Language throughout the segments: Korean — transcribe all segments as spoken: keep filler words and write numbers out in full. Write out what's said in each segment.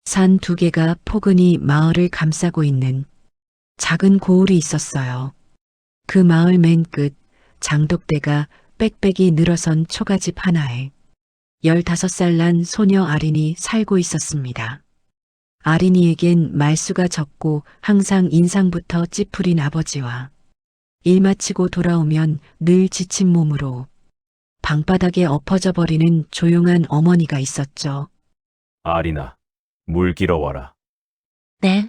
산 두 개가 포근히 마을을 감싸고 있는 작은 고을이 있었어요. 그 마을 맨 끝 장독대가 빽빽이 늘어선 초가집 하나에 열다섯 살 난 소녀 아린이 살고 있었습니다. 아린이에겐 말수가 적고 항상 인상부터 찌푸린 아버지와 일 마치고 돌아오면 늘 지친 몸으로 방바닥에 엎어져 버리는 조용한 어머니가 있었죠. 아리나, 물 길어와라. 네,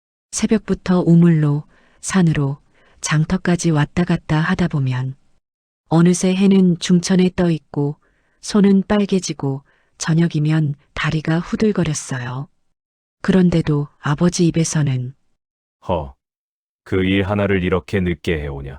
새벽부터 우물로 산으로 장터까지 왔다 갔다 하다 보면 어느새 해는 중천에 떠 있고 손은 빨개지고 저녁이면 다리가 후들거렸어요. 그런데도 아버지 입에서는 허, 그 일 하나를 이렇게 늦게 해오냐.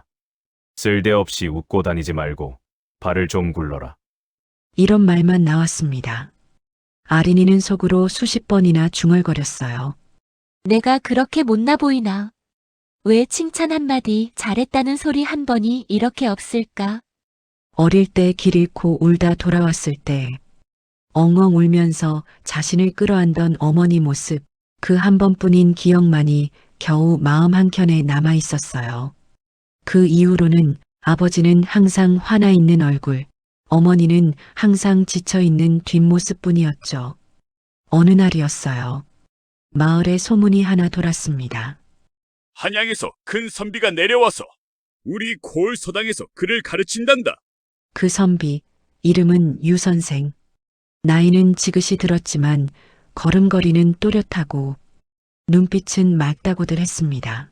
쓸데없이 웃고 다니지 말고 발을 좀 굴러라. 이런 말만 나왔습니다. 아린이는 속으로 수십 번이나 중얼거렸어요. 내가 그렇게 못나 보이나? 왜 칭찬 한마디 잘했다는 소리 한 번이 이렇게 없을까? 어릴 때 길 잃고 울다 돌아왔을 때 엉엉 울면서 자신을 끌어안던 어머니 모습, 그 한 번뿐인 기억만이 겨우 마음 한켠에 남아 있었어요. 그 이후로는 아버지는 항상 화나 있는 얼굴, 어머니는 항상 지쳐 있는 뒷모습뿐이었죠. 어느 날이었어요. 마을에 소문이 하나 돌았습니다. 한양에서 큰 선비가 내려와서 우리 고을 서당에서 그를 가르친단다. 그 선비, 이름은 유 선생. 나이는 지긋이 들었지만 걸음걸이는 또렷하고 눈빛은 맑다고들 했습니다.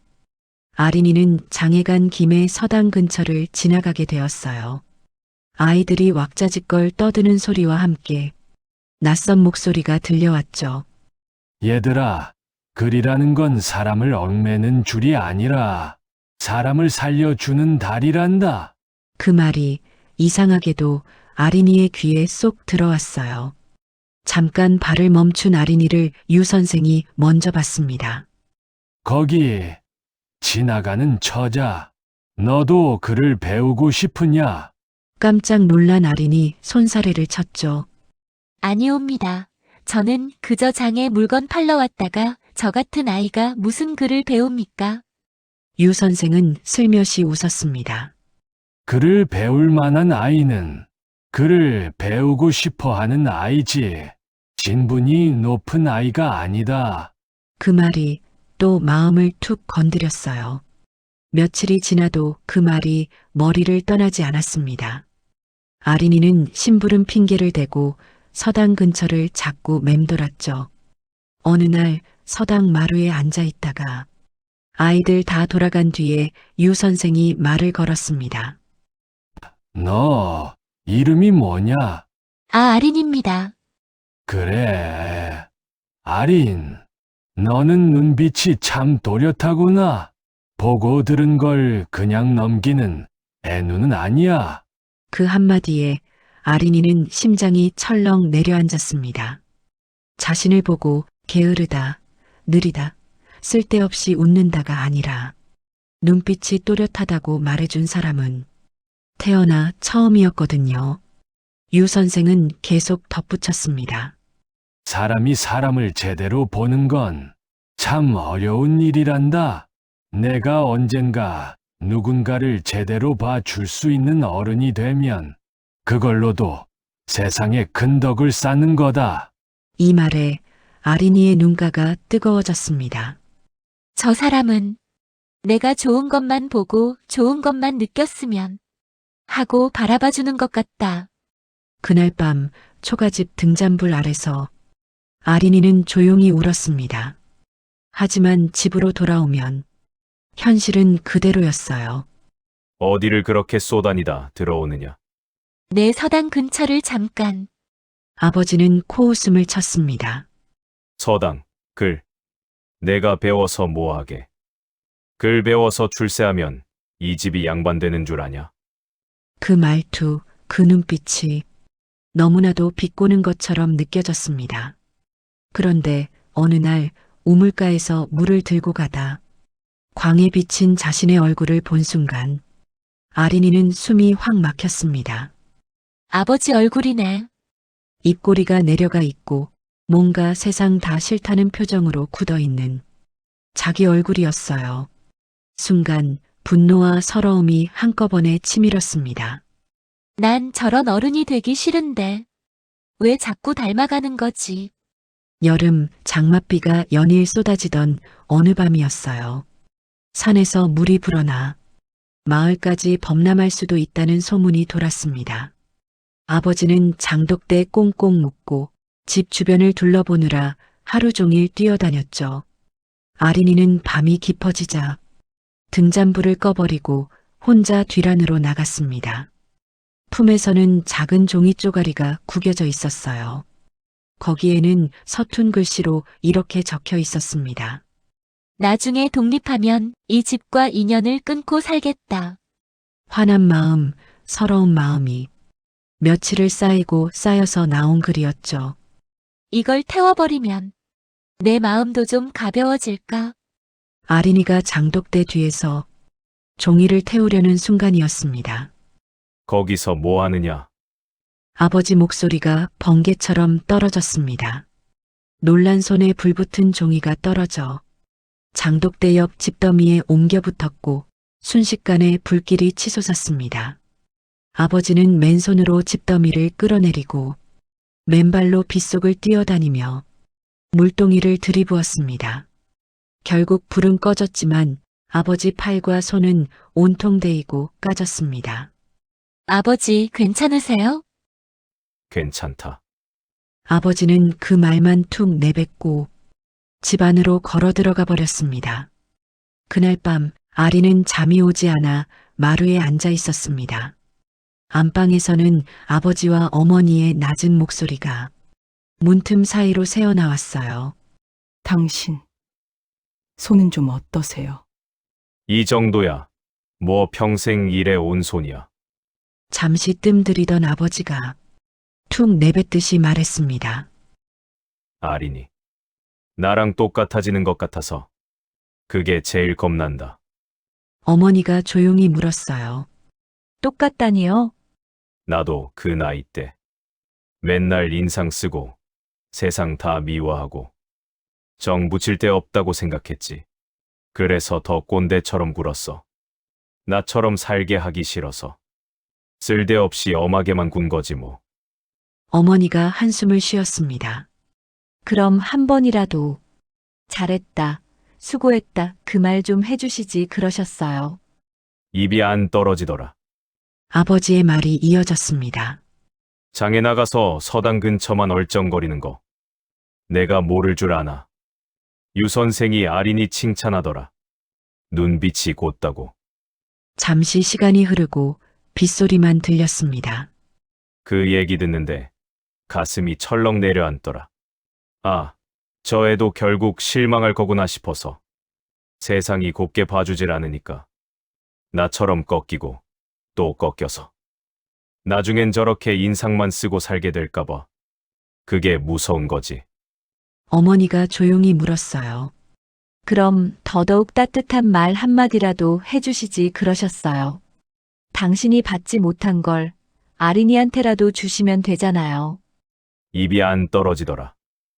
아린이는 장애간 김에 서당 근처를 지나가게 되었어요. 아이들이 왁자지껄 떠드는 소리와 함께 낯선 목소리가 들려왔죠. 얘들아, 글이라는 건 사람을 얽매는 줄이 아니라 사람을 살려주는 달이란다. 그 말이 이상하게도 아린이의 귀에 쏙 들어왔어요. 잠깐 발을 멈춘 아린이를 유 선생이 먼저 봤습니다. 거기 지나가는 처자, 너도 글을 배우고 싶으냐? 깜짝 놀란 아린이 손사래를 쳤죠. 아니옵니다. 저는 그저 장에 물건 팔러 왔다가 저 같은 아이가 무슨 글을 배웁니까? 유 선생은 슬며시 웃었습니다. 글을 배울 만한 아이는 글을 배우고 싶어 하는 아이지. 신분이 높은 아이가 아니다. 그 말이 또 마음을 툭 건드렸어요. 며칠이 지나도 그 말이 머리를 떠나지 않았습니다. 아린이는 심부름 핑계를 대고 서당 근처를 자꾸 맴돌았죠. 어느 날 서당 마루에 앉아 있다가 아이들 다 돌아간 뒤에 유 선생이 말을 걸었습니다. 너 이름이 뭐냐? 아, 아린입니다. 그래, 아린. 너는 눈빛이 참 또렷하구나. 보고 들은 걸 그냥 넘기는 애누는 아니야. 그 한마디에 아린이는 심장이 철렁 내려앉았습니다. 자신을 보고 게으르다, 느리다, 쓸데없이 웃는다가 아니라 눈빛이 또렷하다고 말해준 사람은 태어나 처음이었거든요. 유 선생은 계속 덧붙였습니다. 사람이 사람을 제대로 보는 건 참 어려운 일이란다. 내가 언젠가 누군가를 제대로 봐줄 수 있는 어른이 되면 그걸로도 세상에 큰 덕을 쌓는 거다. 이 말에 아린이의 눈가가 뜨거워졌습니다. 저 사람은 내가 좋은 것만 보고 좋은 것만 느꼈으면 하고 바라봐주는 것 같다. 그날 밤 초가집 등잔불 아래서 아린이는 조용히 울었습니다. 하지만 집으로 돌아오면 현실은 그대로였어요. 어디를 그렇게 쏘다니다 들어오느냐. 내 서당 근처를 잠깐. 아버지는 코웃음을 쳤습니다. 서당, 글. 내가 배워서 뭐하게. 글 배워서 출세하면 이 집이 양반되는 줄 아냐. 그 말투, 그 눈빛이 너무나도 비꼬는 것처럼 느껴졌습니다. 그런데 어느 날 우물가에서 물을 들고 가다 광에 비친 자신의 얼굴을 본 순간 아린이는 숨이 확 막혔습니다. 아버지 얼굴이네. 입꼬리가 내려가 있고 뭔가 세상 다 싫다는 표정으로 굳어 있는 자기 얼굴이었어요. 순간 분노와 서러움이 한꺼번에 치밀었습니다. 난 저런 어른이 되기 싫은데. 왜 자꾸 닮아가는 거지? 여름 장맛비가 연일 쏟아지던 어느 밤이었어요. 산에서 물이 불어나 마을까지 범람할 수도 있다는 소문이 돌았습니다. 아버지는 장독대 꽁꽁 묶고 집 주변을 둘러보느라 하루 종일 뛰어다녔죠. 아린이는 밤이 깊어지자 등잔불을 꺼버리고 혼자 뒤란으로 나갔습니다. 품에서는 작은 종이 쪼가리가 구겨져 있었어요. 거기에는 서툰 글씨로 이렇게 적혀 있었습니다. 나중에 독립하면 이 집과 인연을 끊고 살겠다. 화난 마음, 서러운 마음이 며칠을 쌓이고 쌓여서 나온 글이었죠. 이걸 태워버리면 내 마음도 좀 가벼워질까? 아린이가 장독대 뒤에서 종이를 태우려는 순간이었습니다. 거기서 뭐 하느냐? 아버지 목소리가 번개처럼 떨어졌습니다. 놀란 손에 불붙은 종이가 떨어져 장독대 옆 집더미에 옮겨 붙었고 순식간에 불길이 치솟았습니다. 아버지는 맨손으로 집더미를 끌어내리고 맨발로 빗속을 뛰어다니며 물동이를 들이부었습니다. 결국 불은 꺼졌지만 아버지 팔과 손은 온통 데이고 까졌습니다. 아버지, 괜찮으세요? 괜찮다. 아버지는 그 말만 툭 내뱉고 집 안으로 걸어 들어가 버렸습니다. 그날 밤 아리는 잠이 오지 않아 마루에 앉아 있었습니다. 안방에서는 아버지와 어머니의 낮은 목소리가 문틈 사이로 새어나왔어요. 당신, 손은 좀 어떠세요? 이 정도야. 뭐 평생 일에 온 손이야. 잠시 뜸들이던 아버지가 툭 내뱉듯이 말했습니다. 아린이. 나랑 똑같아지는 것 같아서. 그게 제일 겁난다. 어머니가 조용히 물었어요. 똑같다니요? 나도 그 나이 때. 맨날 인상 쓰고 세상 다 미워하고 정 붙일 데 없다고 생각했지. 그래서 더 꼰대처럼 굴었어. 나처럼 살게 하기 싫어서. 쓸데없이 엄하게만 군 거지 뭐. 어머니가 한숨을 쉬었습니다. 그럼 한 번이라도 잘했다, 수고했다 그 말 좀 해주시지 그러셨어요. 입이 안 떨어지더라. 아버지의 말이 이어졌습니다. 장에 나가서 서당 근처만 얼쩡거리는 거. 내가 모를 줄 아나. 유 선생이 아린이 칭찬하더라. 눈빛이 곧다고. 잠시 시간이 흐르고 빗소리만 들렸습니다. 그 얘기 듣는데 가슴이 철렁 내려앉더라. 아, 저 애도 결국 실망할 거구나 싶어서. 세상이 곱게 봐주질 않으니까. 나처럼 꺾이고 또 꺾여서. 나중엔 저렇게 인상만 쓰고 살게 될까봐. 그게 무서운 거지. 어머니가 조용히 물었어요. 그럼 더더욱 따뜻한 말 한마디라도 해주시지 그러셨어요. 당신이 받지 못한 걸 아린이한테라도 주시면 되잖아요. 입이 안 떨어지더라.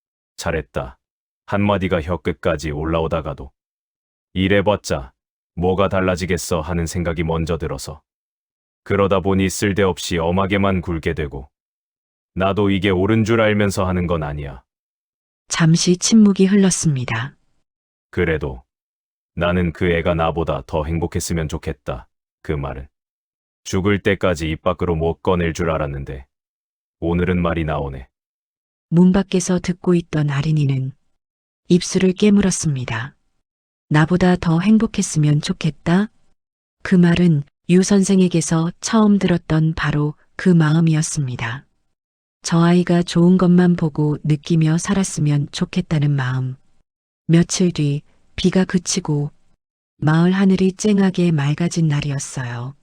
잘했다. 한마디가 혀끝까지 올라오다가도. 이래봤자 뭐가 달라지겠어 하는 생각이 먼저 들어서. 그러다 보니 쓸데없이 엄하게만 굴게 되고. 나도 이게 옳은 줄 알면서 하는 건 아니야. 잠시 침묵이 흘렀습니다. 그래도 나는 그 애가 나보다 더 행복했으면 좋겠다. 그 말은. 죽을 때까지 입 밖으로 못 꺼낼 줄 알았는데 오늘은 말이 나오네. 문 밖에서 듣고 있던 아린이는 입술을 깨물었습니다. 나보다 더 행복했으면 좋겠다? 그 말은 유 선생에게서 처음 들었던 바로 그 마음이었습니다. 저 아이가 좋은 것만 보고 느끼며 살았으면 좋겠다는 마음. 며칠 뒤 비가 그치고 마을 하늘이 쨍하게 맑아진 날이었어요.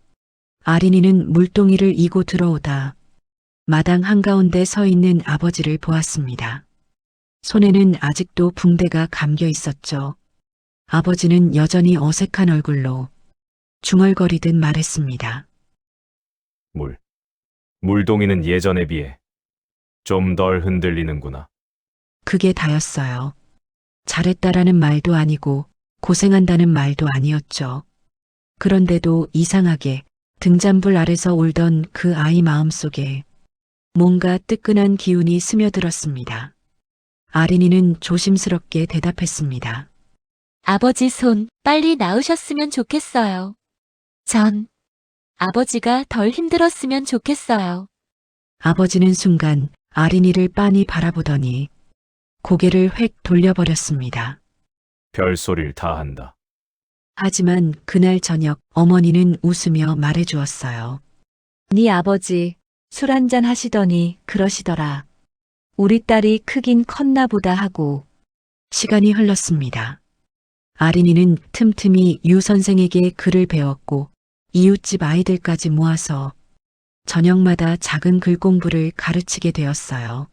아린이는 물동이를 이고 들어오다 마당 한가운데 서 있는 아버지를 보았습니다. 손에는 아직도 붕대가 감겨 있었죠. 아버지는 여전히 어색한 얼굴로 중얼거리듯 말했습니다. 물. 물동이는 예전에 비해 좀 덜 흔들리는구나. 그게 다였어요. 잘했다라는 말도 아니고 고생한다는 말도 아니었죠. 그런데도 이상하게 등잔불 아래서 울던 그 아이 마음속에 뭔가 뜨끈한 기운이 스며들었습니다. 아린이는 조심스럽게 대답했습니다. 아버지 손 빨리 나으셨으면 좋겠어요. 전 아버지가 덜 힘들었으면 좋겠어요. 아버지는 순간 아린이를 빤히 바라보더니 고개를 획 돌려버렸습니다. 별소리를 다 한다. 하지만 그날 저녁 어머니는 웃으며 말해주었어요. 네 아버지 술 한잔 하시더니 그러시더라. 우리 딸이 크긴 컸나 보다 하고. 시간이 흘렀습니다. 아린이는 틈틈이 유 선생에게 글을 배웠고 이웃집 아이들까지 모아서 저녁마다 작은 글 공부를 가르치게 되었어요.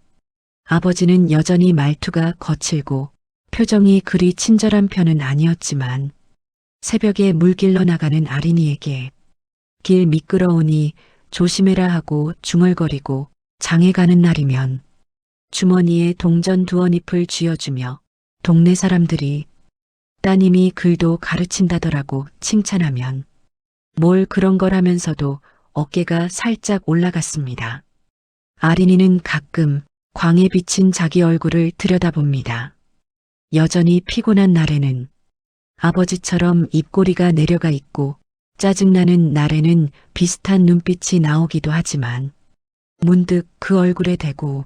아버지는 여전히 말투가 거칠고 표정이 그리 친절한 편은 아니었지만 새벽에 물길러 나가는 아린이에게 길 미끄러우니 조심해라 하고 중얼거리고 장에 가는 날이면 주머니에 동전 두어잎을 쥐어주며 동네 사람들이 따님이 글도 가르친다더라고 칭찬하면 뭘 그런 걸 하면서도 어깨가 살짝 올라갔습니다. 아린이는 가끔 광에 비친 자기 얼굴을 들여다봅니다. 여전히 피곤한 날에는 아버지처럼 입꼬리가 내려가 있고 짜증나는 날에는 비슷한 눈빛이 나오기도 하지만 문득 그 얼굴에 대고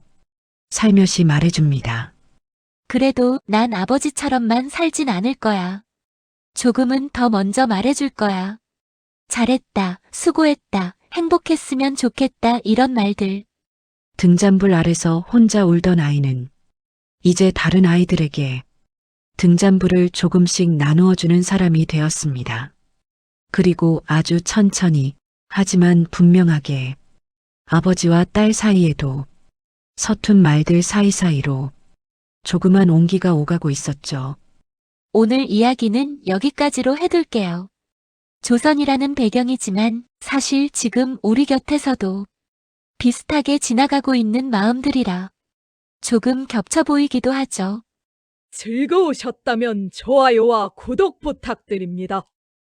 살며시 말해줍니다. 그래도 난 아버지처럼만 살진 않을 거야. 조금은 더 먼저 말해줄 거야. 잘했다, 수고했다, 행복했으면 좋겠다 이런 말들. 등잔불 아래서 혼자 울던 아이는 이제 다른 아이들에게 등잔불을 조금씩 나누어주는 사람이 되었습니다. 그리고 아주 천천히 하지만 분명하게 아버지와 딸 사이에도 서툰 말들 사이사이로 조그만 온기가 오가고 있었죠. 오늘 이야기는 여기까지로 해둘게요. 조선이라는 배경이지만 사실 지금 우리 곁에서도 비슷하게 지나가고 있는 마음들이라 조금 겹쳐 보이기도 하죠. 즐거우셨다면 좋아요와 구독 부탁드립니다.